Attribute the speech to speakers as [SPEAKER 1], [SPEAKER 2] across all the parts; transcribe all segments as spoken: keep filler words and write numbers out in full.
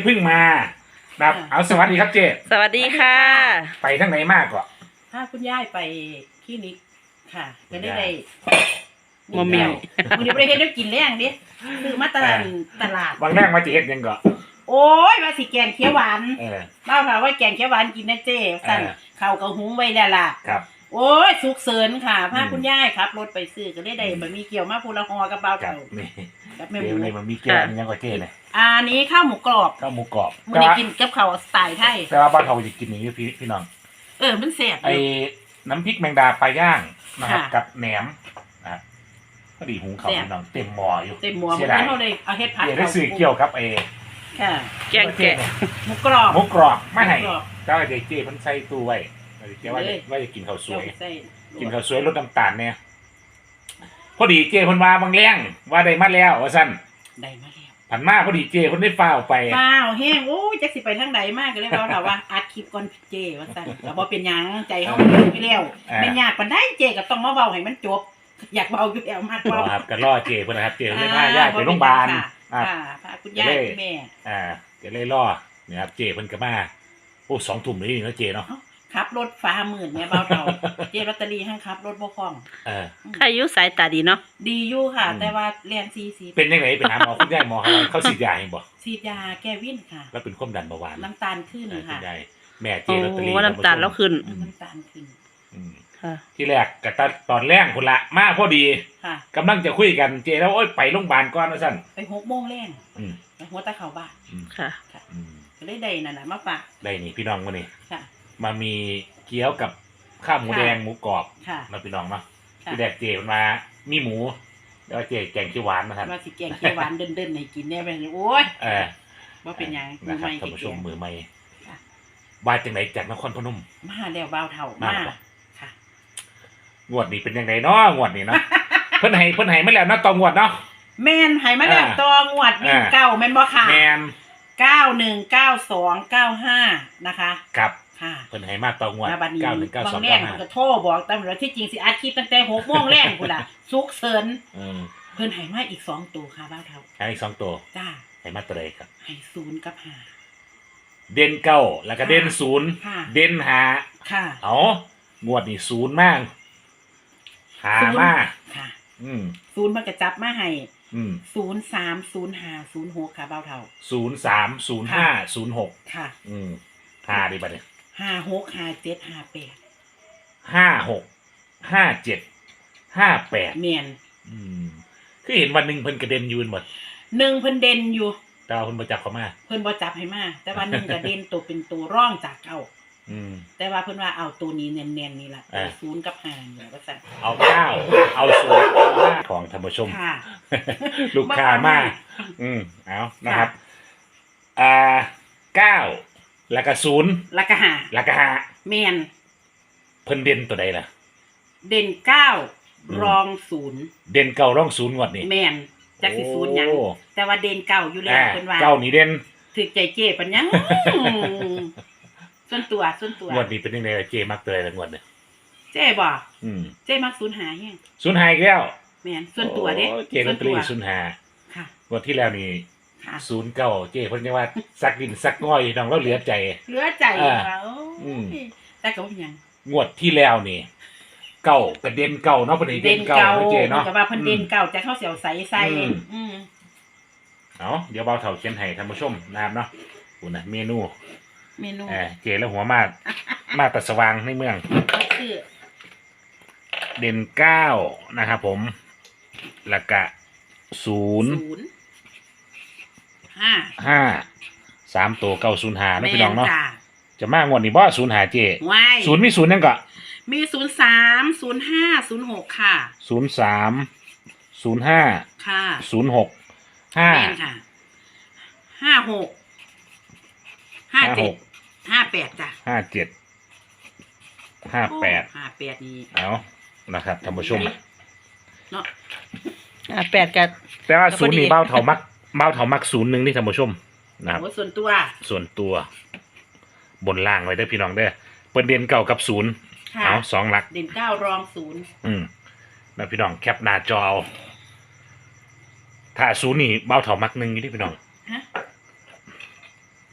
[SPEAKER 1] เพิ่งมานะครับเอาสวัสดีครับเจ
[SPEAKER 2] สวัสดีค่ะ
[SPEAKER 1] ไปทั้งไหนมากกว่า
[SPEAKER 3] ถ้าคุณย่ายไปคลินิกค่ะจะได้ได้
[SPEAKER 2] มอมเมียว
[SPEAKER 3] มึงจะไปเฮ็ดได้กินแรงดิซื้อมาตลาดตลาด
[SPEAKER 1] บางแรกมาจะเฮ็ดยังก่อน
[SPEAKER 3] โอ้ยว่าสิแกงเขียวหวาน
[SPEAKER 1] เออ
[SPEAKER 3] เล่าค่ะว่าแกงเขียวหวานกินนะเจ้สั่นข้าวกับหุงไว้แล้วล่ะ
[SPEAKER 1] ครับ
[SPEAKER 3] โอ้ยสุกเสริญค่ะพา
[SPEAKER 1] อืม
[SPEAKER 3] คุณย่ายครับรถไปซื้อก็ได้ได้บะหมี่เกี๊ยวมาพูละฮอกับเบา
[SPEAKER 1] ครั
[SPEAKER 3] เต่า
[SPEAKER 1] บนี่
[SPEAKER 3] กับแม่ห
[SPEAKER 1] เดี๋ย
[SPEAKER 3] มู
[SPEAKER 1] วในมันมีเกลือมันยังกว่าเจเนี่ย
[SPEAKER 3] อันนี้ข้าวหมูกรอบ
[SPEAKER 1] ข้าวหมูกรอบ
[SPEAKER 3] มื้อนี้กินกับข้าวสไตล์ไทย
[SPEAKER 1] แต่ว่าบ้านเขาจะกินอย่างนี้พี่พี่น้อง
[SPEAKER 3] เออมันแซ่บอ
[SPEAKER 1] ไอ้
[SPEAKER 3] ยู่
[SPEAKER 1] น้ำพริกแมงดาปลาย่างนะครับ
[SPEAKER 3] ค่ะ
[SPEAKER 1] กับแหนมนะครับพอดีหุงเขาวพี่น้องเต็มหม้ออยู่
[SPEAKER 3] เต็มหม้อ
[SPEAKER 1] เสี
[SPEAKER 3] มื้
[SPEAKER 1] ย
[SPEAKER 3] อ
[SPEAKER 1] ดาย
[SPEAKER 3] นี้เฮาได้เอาเฮ็ดผัด
[SPEAKER 1] เดี๋ยวได้ซื้อเกี่ยวกับไอ้
[SPEAKER 3] ค่ะ
[SPEAKER 2] แกงแกะ
[SPEAKER 3] หมูกรอบ
[SPEAKER 1] หมูกรอบไม่ให้
[SPEAKER 3] หมูกรอบ
[SPEAKER 1] เจ้าไอ้เด็กเจ้เพิ่นใส่ตู้ไว้เจ้าว่าจะ
[SPEAKER 3] เลย
[SPEAKER 1] ว่าจะกินข้าวสวย
[SPEAKER 3] ใส่
[SPEAKER 1] กินข้าวสวยลดน้ำตาลเนี่ยพอดีเจ้เพิ่นว่าบางแรงว่าได้มาแล้วว่าซั่น
[SPEAKER 3] ได้มาแล้ว
[SPEAKER 1] ผันมาพอดีเจ้เพิ่นได้ฟ้าวไป
[SPEAKER 3] ฟ้าวแห้งโอ้ยจักสิไปทางใดมากก็เลยเว้าถามว่าอัดคลิปก่อนเจว่าซั่นก็บ่เป็นหยังใจเฮาอยู่ไปแล้ว
[SPEAKER 1] อ่า
[SPEAKER 3] เป็นยากปานใดเจก็ต้องมาเว้าให้มันจบ อยากเว้าอยู่แล้วมาก
[SPEAKER 1] รอ
[SPEAKER 3] เว้า
[SPEAKER 1] ครับก็รอเจ้เพิ่นนะครับเจ้เพิ่นได้พาญาติไปโรงพยาบาล
[SPEAKER 3] ค่ะ
[SPEAKER 1] อ่า
[SPEAKER 3] ค่ะพาคุณยายคุณแม่
[SPEAKER 1] อ่าก็เลยรอเนี่ยครับเจ้เพิ่นก็มาโอ้สองทุ่มนี่เนาะเจ้เนาะ
[SPEAKER 3] ขับรถฟ้าหมื่นเนี่ยเบาเท่าเจลอตเตอรี่ให้ขับรถบ่คล่อง
[SPEAKER 1] เออ
[SPEAKER 2] ใครอายุสายตาดีเนาะ
[SPEAKER 3] ดีอยู่ค่ะ
[SPEAKER 1] อืม
[SPEAKER 3] แต่ว่าเรียนสี่สิบ
[SPEAKER 1] เป็นยังไงไปหาหมอคุณยายหมอเขาเขาฉีดยาให้บ่
[SPEAKER 3] ฉีดยาแก้วินค่ะ
[SPEAKER 1] แล้วเป็นความดันเบาหวาน
[SPEAKER 3] น้ำตาลขึ้น
[SPEAKER 1] เออคุ
[SPEAKER 3] ค่ะ
[SPEAKER 1] ณยายแม่เจ
[SPEAKER 2] โอ้
[SPEAKER 1] ลอตเตอรี่
[SPEAKER 2] น้ำตาลแล้วขึ้น
[SPEAKER 3] น้ำตาลขึ้น
[SPEAKER 1] อืม
[SPEAKER 2] ค่ะ
[SPEAKER 1] ที่แรกกับตอนแรกคนละมาพอดี
[SPEAKER 3] ค่ะ
[SPEAKER 1] กำลังจะคุยกันเจแล้วโอ๊ยไปโรงพยาบาลก่อนว่าซั่น
[SPEAKER 3] ไปหกโมงแรง
[SPEAKER 1] อืม
[SPEAKER 3] ไปหัวตะเข่าบ้าน
[SPEAKER 1] อืม
[SPEAKER 2] ค่ะ
[SPEAKER 1] อืม
[SPEAKER 3] ก็เลยได้นั่นน่ะมาฝาก
[SPEAKER 1] ได้นี่พี่น้องมานี่
[SPEAKER 3] ค่ะ
[SPEAKER 1] มามีเกี๊ยวกับข้าวหมูแดงหมูกรอบ
[SPEAKER 3] ค่ะ
[SPEAKER 1] มาพี่น้องเนาะ
[SPEAKER 3] ค่ะ
[SPEAKER 1] ที่แรกเจมันมามีหมูแล้วเจแกงเขียวหวานนะครับ
[SPEAKER 3] ว่าสิแกงเขียวหวานเดินๆให้กินแน่ไปเลยโอ้ย
[SPEAKER 1] เออ
[SPEAKER 3] ว่าเป็นหยังมื
[SPEAKER 1] นะ
[SPEAKER 3] อ
[SPEAKER 1] ครับ
[SPEAKER 3] ใหม่
[SPEAKER 1] ท่านผู้ช
[SPEAKER 3] แก
[SPEAKER 1] ม
[SPEAKER 3] ง
[SPEAKER 1] มือใหม่
[SPEAKER 3] ค่ะ
[SPEAKER 1] มาจากไหนจากนครพนม
[SPEAKER 3] มาแล้วเบาเท่า
[SPEAKER 1] มา
[SPEAKER 3] มา
[SPEAKER 1] เหรอ
[SPEAKER 3] ค่ะ
[SPEAKER 1] งวดนี้เป็นยังไงเนาะงวดนี้เนาะ เพิ่นให้เพิ่นให้มาแล้วเนาะต่องวดเนาะ
[SPEAKER 3] แม่นให้มาแล้ว
[SPEAKER 1] อ่า
[SPEAKER 3] ตัวงวดวิ่ง
[SPEAKER 1] อ่า
[SPEAKER 3] เก้าแม่นบ่ค่ะ
[SPEAKER 1] แมน
[SPEAKER 3] เก้าหนึ่งเก้าสองเก้าห้านะคะ
[SPEAKER 1] ครับ
[SPEAKER 3] ค่ะ
[SPEAKER 1] เพิ่นให้มาต่องวด
[SPEAKER 3] มาบัดนี้
[SPEAKER 1] เก้าหนึ่งเก้า
[SPEAKER 3] บา
[SPEAKER 1] สอง
[SPEAKER 3] งแร
[SPEAKER 1] เก้าก ห้า
[SPEAKER 3] มันก็โทรบอกตำรวจที่จริงสิอัดคลิปตั้งแต่หกโมงแรกพุ่นล่ะสุกเสริญ
[SPEAKER 1] อืม
[SPEAKER 3] เพิ่นให้มาอีกสองตัวค่ะบ้าวเท่า
[SPEAKER 1] ให้อีกสองตัว
[SPEAKER 3] จ้า
[SPEAKER 1] ให้มาตัวใดครับ
[SPEAKER 3] ให้ศูนย์กับห้า
[SPEAKER 1] เด่นเก้าแล้วก็
[SPEAKER 3] ค่ะ
[SPEAKER 1] เด่นศูนย์
[SPEAKER 3] ค่ะ
[SPEAKER 1] เด่นหา
[SPEAKER 3] ค่ะ
[SPEAKER 1] เอางวดนี้ศูนย์มากหา
[SPEAKER 3] ศูนย์
[SPEAKER 1] มา
[SPEAKER 3] ค่ะ
[SPEAKER 1] อืม
[SPEAKER 3] ศูนย์มันก็จับมาให้
[SPEAKER 1] อืม
[SPEAKER 3] ศูนย์สามศูนย์ห้าศูนย์หกค่ะบ้าวเท่า
[SPEAKER 1] ศูนย์สามศูนย์ห้าศูนย์หก
[SPEAKER 3] ค่ะ
[SPEAKER 1] อืมหาดีบัดเนี่ย
[SPEAKER 3] ห้าหกห้าเจ็ดห้าแปด
[SPEAKER 1] ห้าหกห้าเจ็ดห้าแปด
[SPEAKER 3] เมียน
[SPEAKER 1] อืมคือเห็นวันหนึ่งเพิ่นกระเด็นอยืนหมด
[SPEAKER 3] หนึ่งเพิ่นเด่นอยู่
[SPEAKER 1] แต่ว่าเพิ่นประจับเขามา
[SPEAKER 3] เพิ่นบ่จับให้มาแต่ว่าหนึ่งก็เด่นตัวเป็นตัวร่องจากเก้า
[SPEAKER 1] อืม
[SPEAKER 3] แต่ว่าเพิ่นว่าเอาตัวนี้เนียนๆนี่ล่ะ
[SPEAKER 1] อ่า
[SPEAKER 3] ศูนย์กับห้านี่ล่ะว่าซั่น
[SPEAKER 1] เอาเก้าเอาศูนย์เอาห้าของธรรมชม
[SPEAKER 3] ค่ะ
[SPEAKER 1] ลูกค้ามาก อืมเอานะครับ อ่าเก้าแล้วก็ศูนย์
[SPEAKER 3] แล้วก็ห้า
[SPEAKER 1] แล้วก็ห้า
[SPEAKER 3] แม่น
[SPEAKER 1] เพิ่นเด่นตัวใดล่ะ
[SPEAKER 3] เด่นเก้า
[SPEAKER 1] อืม
[SPEAKER 3] รองศูนย์
[SPEAKER 1] เด่นเก้าร่องศูนย์งวดนี่
[SPEAKER 3] แม่นจักสิศูนย์หยัง
[SPEAKER 1] โอ้
[SPEAKER 3] แต่ว่าเด่นเก้าอยู่แล้ว
[SPEAKER 1] อ่า
[SPEAKER 3] เพิ่นว่า
[SPEAKER 1] เก้านี่เด่น
[SPEAKER 3] ถึกใจเจ้ปัญญัง ส่วนตัวส่วนตัว
[SPEAKER 1] งวดนี้เป็นยังไงล่ะเจมักตัวใดละงวดเนี่ย
[SPEAKER 3] เจ้บ่
[SPEAKER 1] อืม
[SPEAKER 3] เจ้มักศูนย์หาแฮง
[SPEAKER 1] ศูนย์หายอีกแล้ว
[SPEAKER 3] แม่นส่วนตัวเด้
[SPEAKER 1] โอ้เจลอตเตอรี่ศูนย์หา
[SPEAKER 3] ค่ะ
[SPEAKER 1] งวดที่แล้วนี่
[SPEAKER 3] ค่ะ
[SPEAKER 1] ศูนย์เก้าเจเพิ่นยังว่าซักดินซักง่อยน้องเราเหลือใจ
[SPEAKER 3] เหลือใจ
[SPEAKER 1] อ่า
[SPEAKER 3] ว่าโอ้
[SPEAKER 1] อืม
[SPEAKER 3] ยแต่ก็บ่เป็นหยัง
[SPEAKER 1] งวดที่แล้วนี่เก้ากระเด็นเก้าเนาะเพิ่นให้เด่นเก้าเนาะเจเนาะ
[SPEAKER 3] พิ่ก็ว่าเพิ่นเด่นเก่าจะเข้าเสียวใสใส่
[SPEAKER 1] อืม
[SPEAKER 3] อืม
[SPEAKER 1] เอาเดี๋ยวเบาเถาเขียนให้ท่านผู้ชมนะครับเนาะคุณนะเมนู
[SPEAKER 3] เมนู
[SPEAKER 1] เออเจแล้วหัวมามาตัดสว่างในเมือง
[SPEAKER 3] ก็คือ
[SPEAKER 1] เด่นเก้านะครับผมแล้วก็ศูนย์
[SPEAKER 3] ศูนย์ห้า
[SPEAKER 1] ห้าสามตัวเก้าศูนย์ห้านะพี่น้องเนาะ
[SPEAKER 3] แม่จ้
[SPEAKER 1] จะมางวดนี้บ่ศูนย์หาเจ
[SPEAKER 3] ไว้
[SPEAKER 1] ศูนย์มีศูนย์ยังก็
[SPEAKER 3] มีศูนย์สามศูนย์ห้าศูนย์หกค่ะ
[SPEAKER 1] ศูนย์สามศูนย์ห้า
[SPEAKER 3] ค่ะ
[SPEAKER 1] ศูนย์หกห้า
[SPEAKER 3] แม่นค่ะห้าหกห้าเจ็ดห้าแปดจ้ะ
[SPEAKER 1] ห้าเจ็ดห้าแปด
[SPEAKER 3] ห้าแปดนี่
[SPEAKER 1] เอานะครับท่านผู้ชม
[SPEAKER 3] เนาะ
[SPEAKER 2] อ่าแปดกับ
[SPEAKER 1] แต่ว่า
[SPEAKER 2] ก็พอดี
[SPEAKER 1] ศูนย์นี่เบ้าเถามักเบ้าเถามักศูนย์หนึ่งนี่ท่านผู้ชมนะครับ
[SPEAKER 3] โอ้ส่วนตัว
[SPEAKER 1] ส่วนตัว บนล่างไว้ได้อพี่น้องเด้อเปิดเด่นเก่ากับศูนย์
[SPEAKER 3] ค่ะ
[SPEAKER 1] เอาสองหลัก
[SPEAKER 3] เด่นเก้ารองศูนย์
[SPEAKER 1] อืมแล้วพี่น้องแคปหน้าจอเอาถ้าศูนย์นี่เบ้าเถามักหนึ่งอยู่ที่พี่น้อง
[SPEAKER 3] ฮะ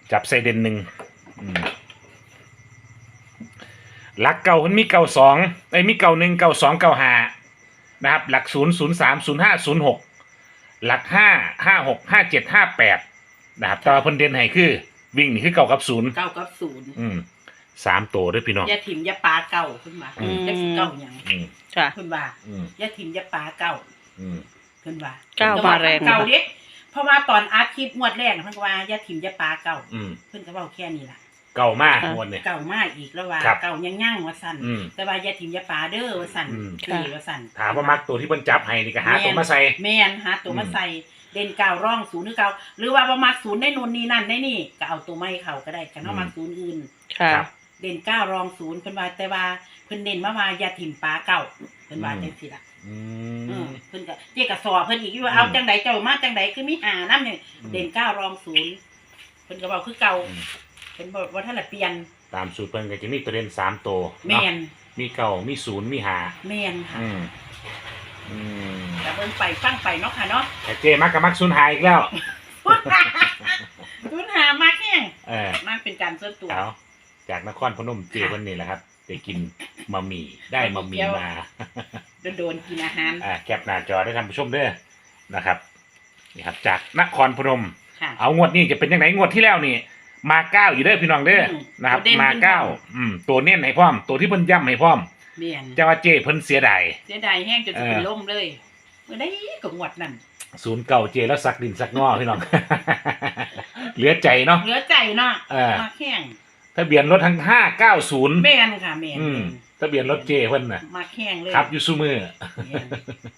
[SPEAKER 1] จับใส่เด่นหนึ่งอืมหลักเก่ามันมีเก่าสองไอ้ยมีเก่าหนึ่งเก่าสองเก่าห้านะครับหลักศูนย์ศูนย์สามศูนย์ห้าศูนย์หกหลักห้าห้าหกห้าเจ็ดห้าแปดนะครับแต่ว่าเพิ่นเด่นให้คือวิ่งนี่คือเก่ากับศูนย์
[SPEAKER 3] เก้ากับศูนย์
[SPEAKER 1] อืมสามตัวด้วยพี่น้อง
[SPEAKER 3] อย่าถิ่มอย่าปลาเก่าขึ้นมา
[SPEAKER 1] อืม
[SPEAKER 3] จักสิเก่าหยัง
[SPEAKER 1] อืม
[SPEAKER 2] ค่ะ
[SPEAKER 3] ขึ้นว่า
[SPEAKER 1] อืม
[SPEAKER 3] อย่าถิ่มอย่าปลาเก่า
[SPEAKER 1] อืม
[SPEAKER 3] ขึ้นว่า
[SPEAKER 2] เก้ามาแรง
[SPEAKER 3] เก่าเด็กเพราะว่าตอนอาร์ตคลิปงวดแรกน่ะเพิ่นก็ว่าอย่าถิ่มอย่าปลาเก่า
[SPEAKER 1] อืม
[SPEAKER 3] เพิ่นก็เว้าแค่นี้ล่ะ
[SPEAKER 1] เก่ามากงวดเนี่ย
[SPEAKER 3] เก่ามากอีกแล้วว่า
[SPEAKER 1] ครับ
[SPEAKER 3] เก่ายังยั่งว่าสั่น
[SPEAKER 1] อืม
[SPEAKER 3] แต่ว่าอย่าถิ่มอย่าปลาเด้อว่าสั่น
[SPEAKER 1] อืม
[SPEAKER 3] คือว่าสั่น
[SPEAKER 1] ถามว่ามักตัวที่เพิ่นจับให้นี่ก็หาตัวมาใส่
[SPEAKER 3] แม่นหาตัวมา
[SPEAKER 1] อืม
[SPEAKER 3] ใส่เด่นเก่าร่องศูนย์หรือเก่าหรือว่าบ่มักศูนย์ได้นู่นนี่นั่นได้นี่ก็เอาตัวไม่เข้าก็ได้กันเฮามักศูนย์อื่น
[SPEAKER 2] ค่ะ
[SPEAKER 1] ครับ
[SPEAKER 3] เด่นเก้ารองศูนย์เพิ่นว่าแต่ว่าเพิ่นเด่นมาว่าอย่าถิ่มปลาเก่าเพิ่นว่า
[SPEAKER 1] อืม
[SPEAKER 3] จังซี่ล่ะ
[SPEAKER 1] อื
[SPEAKER 3] อื
[SPEAKER 1] ม
[SPEAKER 3] มเพิ่นก็เจ๊ก็สอเพิ่นอีกว่า
[SPEAKER 1] อืม
[SPEAKER 3] เอาจังไดเจ้ามาจังไดคือมีหานํเนี่ย
[SPEAKER 1] อืม
[SPEAKER 3] เด่นเก้ารองศูนย์เพิ่นก็เว้าคือเก่า
[SPEAKER 1] อืม
[SPEAKER 3] เพิ่นบ่ว่าท่านละเปลี่ยน
[SPEAKER 1] ตามสูตรเพิ่นก็จะมีตัวเด่นสามตัว
[SPEAKER 3] แม่น
[SPEAKER 1] เนาะมีเก่ามีศูนย์มีหา
[SPEAKER 3] แม่นค่ะ
[SPEAKER 1] อืมอืม
[SPEAKER 3] แต่เบิ่งไปฟังไปเนาะค่ะเนาะ
[SPEAKER 1] แต่เจมักกับมักศูนย์หายอีกแล้ว
[SPEAKER 3] ทุนหามากแฮง
[SPEAKER 1] เออ
[SPEAKER 3] มากเป็นการส่วนตัว
[SPEAKER 1] เอาจากนครพนมเจวันนี้แหละครับได้กินมะหมี่ได้มะหมี่มา
[SPEAKER 3] โดนๆกินอาหาร
[SPEAKER 1] อ่าแคปหน้าจอได้ท่านผู้ชมเด้อนะครับนี่ครับจากนครพนม
[SPEAKER 3] ค่ะ
[SPEAKER 1] เอางวดนี้จะเป็นยังไงงวดที่แล้วนี่ มาเก้าอยู่เด้อพี่น้องเด้อ
[SPEAKER 3] อืม
[SPEAKER 1] นะครับ
[SPEAKER 3] ตัวเด่น
[SPEAKER 1] มาเก้า
[SPEAKER 3] เพิ่นพร้อม
[SPEAKER 1] อืมตัวเน้นให้พร้อม ตัวที่เพิ่นย้ำให้พร้อม
[SPEAKER 3] แม่น
[SPEAKER 1] จะว่าเจเพิ่นเสียดาย
[SPEAKER 3] เสียดายแห้งจนจะเป็น
[SPEAKER 1] เออ
[SPEAKER 3] ลมเลยเมื่อได้ก็งวดนั่น
[SPEAKER 1] ศูนย์เก่าเจแล้วสักดินสักงอพี่น้อง เหลือใจเนาะ
[SPEAKER 3] เหลือใจเนาะ
[SPEAKER 1] เออ
[SPEAKER 3] มากแห้ง
[SPEAKER 1] ทะเบียนรถทั้งห้าเก้าศูนย์
[SPEAKER 3] แม่นค่ะแม่น
[SPEAKER 1] อืมทะเบียนรถเจเพิ่นน่ะ
[SPEAKER 3] มากแห้งเลย
[SPEAKER 1] ครับอยู่ซูมือ
[SPEAKER 3] แม่น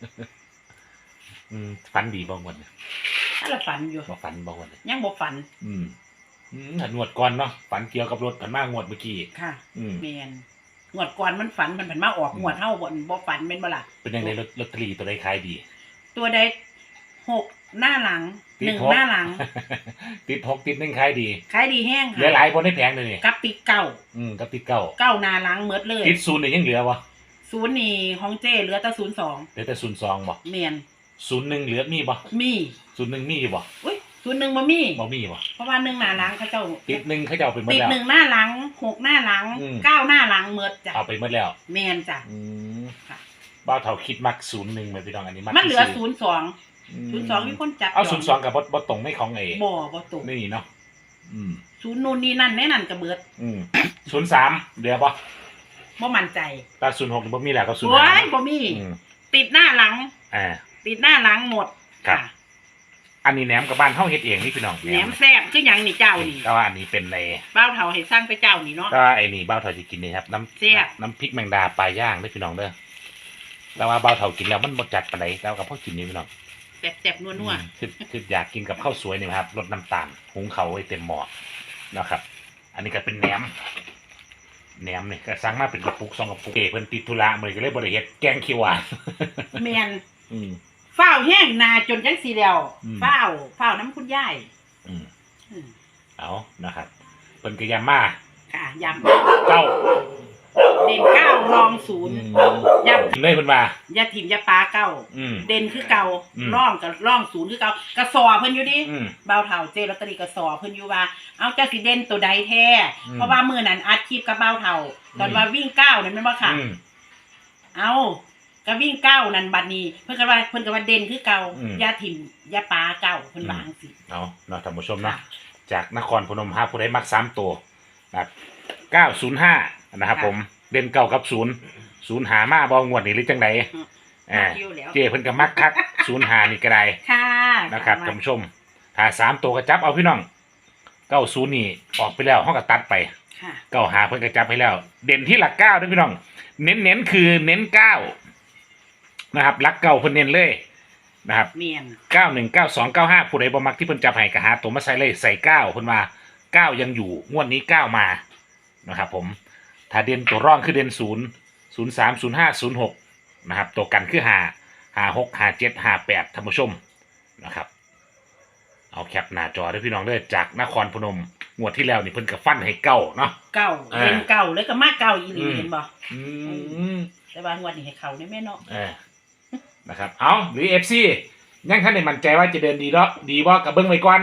[SPEAKER 1] อืมฝันดีบ้างวันเนี่ย
[SPEAKER 3] ถ้าเราฝันอยู่
[SPEAKER 1] มาฝันบ้างวันเนี่ย
[SPEAKER 3] ยังบ่ฝัน
[SPEAKER 1] อืมอืมหันงวดก่อนเนาะฝันเกี่ยวกับรถผันมางวดเมื่อกี้
[SPEAKER 3] ค่ะ
[SPEAKER 1] อืม
[SPEAKER 3] แม่นงวดก่อนมันฝันมันผันมาออกงวดเฮาบ่บ่ฝันแม่นบ่ล่ะ
[SPEAKER 1] เป็นยังไงลอตลอตเตอรี่ตัวใดขายดี
[SPEAKER 3] ตัวใดหกหน้าหลัง
[SPEAKER 1] ติด
[SPEAKER 3] หนึ่ง
[SPEAKER 1] หก
[SPEAKER 3] หน้าหลัง
[SPEAKER 1] ติดหกติดหนึ่งขายดี
[SPEAKER 3] ขายดีแห้ง
[SPEAKER 1] เหลือหลายบนให้แพงเลยนี่
[SPEAKER 3] กับติดเก้า
[SPEAKER 1] อืมกับติดเก้า
[SPEAKER 3] เก้าหน้าหลังหมดเลย
[SPEAKER 1] ติดศูนย์เนี่ยยังเหลือวะ
[SPEAKER 3] ศูนย์นี่ของเจ้เหลือแต่ศูนย์สอง
[SPEAKER 1] เหลือแต่ศูนย์สองบ่
[SPEAKER 3] แม่น
[SPEAKER 1] ศูนย์หนึ่งเหลือมีบ่
[SPEAKER 3] มี
[SPEAKER 1] ศูนย์หนึ่งมีอยู่บ่
[SPEAKER 3] อุ้ยศูนย์หนึ่งบ่มี
[SPEAKER 1] บ่มีบ่
[SPEAKER 3] เพราะว่าหนึ่งหน้าหลังเขาเจ้า
[SPEAKER 1] ติดหนึ่งเขาจะเอาไปหมด
[SPEAKER 3] ติด
[SPEAKER 1] แล้ว
[SPEAKER 3] หนึ่งหน้าหลังหกหน้าหลัง
[SPEAKER 1] อืม
[SPEAKER 3] เก้าหน้าหลังเมดจ้ะ
[SPEAKER 1] เอาไปหมดแล้ว
[SPEAKER 3] แมนจ้ะ
[SPEAKER 1] อืม
[SPEAKER 3] ค่ะ
[SPEAKER 1] บ้าวเท่าคิดมักศูนย์หนึ่งไหมพี่น้องอันนี้มัก
[SPEAKER 3] มันเหลือ
[SPEAKER 1] ที่
[SPEAKER 3] ศูนย์สอง
[SPEAKER 1] ม
[SPEAKER 3] ศูนย์สองมีคนจับ
[SPEAKER 1] เอาศูนย์สองกับบบ่ตรงไม่ของเอ
[SPEAKER 3] บ่บ่ตก
[SPEAKER 1] นี่เนาะอืม
[SPEAKER 3] ศูนย์นู่นนี่นั่นแน่นั่นกระเบิด
[SPEAKER 1] อืมศูนย์สามเหลือบ่
[SPEAKER 3] บ่มั่นใจ
[SPEAKER 1] ตาศูนย์หกบ่มีแล้วก็ศูนย์
[SPEAKER 3] โอ้
[SPEAKER 1] ห้าย
[SPEAKER 3] บ่มี
[SPEAKER 1] อืม
[SPEAKER 3] ติดหน้าหลัง
[SPEAKER 1] อ่า
[SPEAKER 3] ติดหน้าหลังหมด
[SPEAKER 1] ครับ อันนี้แหนมกับบ้านเฮาเฮ็ดเองนี่พี่น้อง
[SPEAKER 3] แหนมแซ่บคือหยังนี่เจ้านี่
[SPEAKER 1] แต่ว่าอันนี้เป็นใน
[SPEAKER 3] บ้าวเฒ่าให้สร้างไปเจ้านี่เนาะ
[SPEAKER 1] ก็ไอ้นี่บ้าวเท่าจะกินนี่ครับน้ำ
[SPEAKER 3] แซ่บ
[SPEAKER 1] น้ำพริกแมงดาปลาย่างเด้อพี่น้องเด้อแต่ว่าบ้าวเท่ากินแล้วมันบ่จัดปานใดแต่ว่ากับพ่อกินนี่พี่น้อง
[SPEAKER 3] แซ่บๆนัว
[SPEAKER 1] อืมคือคืออยากกินกับข้าวสวยนี่ครับลดน้ำตาลหุงเขาวไว้เต็มหม้อนะครับ อันนี้ก็เป็นแหนมแหนมนี่ก็สั่งมาเป็นกระปุกสองกระปุกเอเพิ่นติดธุระมื้อนี้ก็เลยบ่ได้เฮ็ดแกงเขียวหวาน
[SPEAKER 3] ๆแม่น
[SPEAKER 1] อืม
[SPEAKER 3] ฝ้าวแห้งนาจนจังสีแล้ว
[SPEAKER 1] อืม
[SPEAKER 3] ฝ้าวฝ้าวน้ำคุณยาย
[SPEAKER 1] อืม
[SPEAKER 3] อืม
[SPEAKER 1] เอานะครับเพิ่นก็ยามมา
[SPEAKER 3] ค่ะย
[SPEAKER 1] เก้า
[SPEAKER 3] ำเด่นเก้ารองศูนย์ ยำ
[SPEAKER 1] เลยเพิ่นว่า
[SPEAKER 3] อยาถิ่มอยาปลาเก้า
[SPEAKER 1] อืม
[SPEAKER 3] เด่นคือเก่า
[SPEAKER 1] อืม
[SPEAKER 3] ร่องกับร่องศูนย์คือเก่ากระสอเพิ่นอยู่ดิ
[SPEAKER 1] อืม
[SPEAKER 3] เบาเท่าเจลอตเตอรี่กระสอเพิ่นอยู่ว่า เอาเจ้าสิเด่นตัวใดแท้
[SPEAKER 1] อืม
[SPEAKER 3] เพราะว่ามื้อนั้นอัดคลิปกับเบาเท่าตอน
[SPEAKER 1] อืม
[SPEAKER 3] ว่าวิ่งเก้านั่นแม่นบ่ค่ะ
[SPEAKER 1] อืม
[SPEAKER 3] เอาก็วิ่งเก้านั่นบัดนี้ เพิ่นก็ว่าเพิ่นก็ว่าเด่นคือเก่า
[SPEAKER 1] อืม
[SPEAKER 3] อยาถิ่มอยาปลาเก้าเพิ่นว่าจังซี่
[SPEAKER 1] เอาเนาะท่านผู้ชมเนาะจากนครพนมหาผู้ใดมักสามตัวนะครับเก้าศูนย์ห้านะครับผมเด่นเก้ากับศูนย์ศูนย์หามาบ่งวดนี้หรือจังไดอ่า
[SPEAKER 3] คิวแล้ว
[SPEAKER 1] เจ้เพิ่นก็มักคักศูนย์หานี่ก็ได้
[SPEAKER 3] ค่ะ
[SPEAKER 1] นะครับท่านผู้ชมถ้าสามตัวก็จับเอาพี่น้องเก้าศูนย์นี่ออกไปแล้วห้องก็ตัดไป
[SPEAKER 3] ค่ะ
[SPEAKER 1] เก้าหาเพิ่นก็จับให้แล้ว เด่นที่หลักเก้าด้วยพี่น้อง เน้นเน้นคือเน้นเก้านะครับหลักเก้าเพิ่นเน้นเลยนะครับ
[SPEAKER 3] เมียน
[SPEAKER 1] เก้าหนึ่งเก้าสองเก้าห้าผู้ใดบ่มักที่เพิ่นจับให้ก็หาตัวมาใส่เลยใส่เก้าเพิ่นว่าเก้ายังอยู่งวดนี้เก้ามานะครับผมถ้าเด่นตัวร่องคือเด่นศูนย์ศูนย์สามศูนย์ห้าศูนย์หกนะครับตัวกันคือหาหาหกหาเจ็ดหาแปดท่านผู้ชมนะครับ เอาแคปหน้าจอด้วยพี่น้องเด้อจากนครพนมงวดที่แล้วนี่เพิ่นก็ฟันให้เก้าเนาะ
[SPEAKER 3] เก่า
[SPEAKER 1] อ่า
[SPEAKER 3] เป็นเก่าเลยก็มาเก่าอีหลี
[SPEAKER 1] อืม
[SPEAKER 3] เห็นบ่
[SPEAKER 1] อืม
[SPEAKER 3] แต่ว่างวดนี้ให้เขาได้แม่เนาะ
[SPEAKER 1] เออนะครับเอาหรือ เอฟ ซี ยังท่านได้มั่นใจว่าจะเดินดีเนาะดีบ่กับเบิ่งไว้ก่อน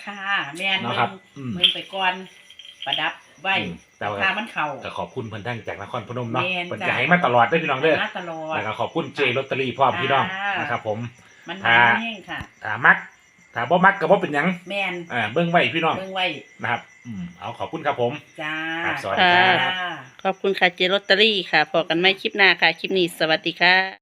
[SPEAKER 3] ค่ะแม่น
[SPEAKER 1] เนาะ
[SPEAKER 3] เบิ่
[SPEAKER 1] ครับ
[SPEAKER 3] ง
[SPEAKER 1] อืม
[SPEAKER 3] เบิ่งไปก่อนประดับไว้
[SPEAKER 1] อืมแต่ว่า
[SPEAKER 3] ค่ามันเข้า
[SPEAKER 1] ก็ขอบคุณเพิ่นทั้งจากนครพนมเนาะ
[SPEAKER 3] แม่น
[SPEAKER 1] เพิ่น
[SPEAKER 3] จ้ะ
[SPEAKER 1] จะให้มาตลอดเด้อพี่น้องเด้อ
[SPEAKER 3] มาตลอด
[SPEAKER 1] แล้วก็ขอบคุณเจลอตเตอรี่พร้อมพี่น้อง
[SPEAKER 3] ค่ะ
[SPEAKER 1] นะครับผม
[SPEAKER 3] มัน
[SPEAKER 1] อ่า
[SPEAKER 3] มันแห้งค่ะ
[SPEAKER 1] ถ้ามักถ้าบ่มักก็บ่เป็นหยัง
[SPEAKER 3] แม่น
[SPEAKER 1] อ่าเบิ่งไว้พี่น้อง
[SPEAKER 3] เบิ่งไว้
[SPEAKER 1] นะครับอืมเอาขอบคุณครับผม
[SPEAKER 3] จ้า
[SPEAKER 1] ครับสวัสดีครับ
[SPEAKER 3] จ้า
[SPEAKER 2] ขอบคุณค่ะเจลอตเตอรี่ค่ะพอกันไม่คลิปหน้าค่ะ คลิปนี้สวัสดีค่ะ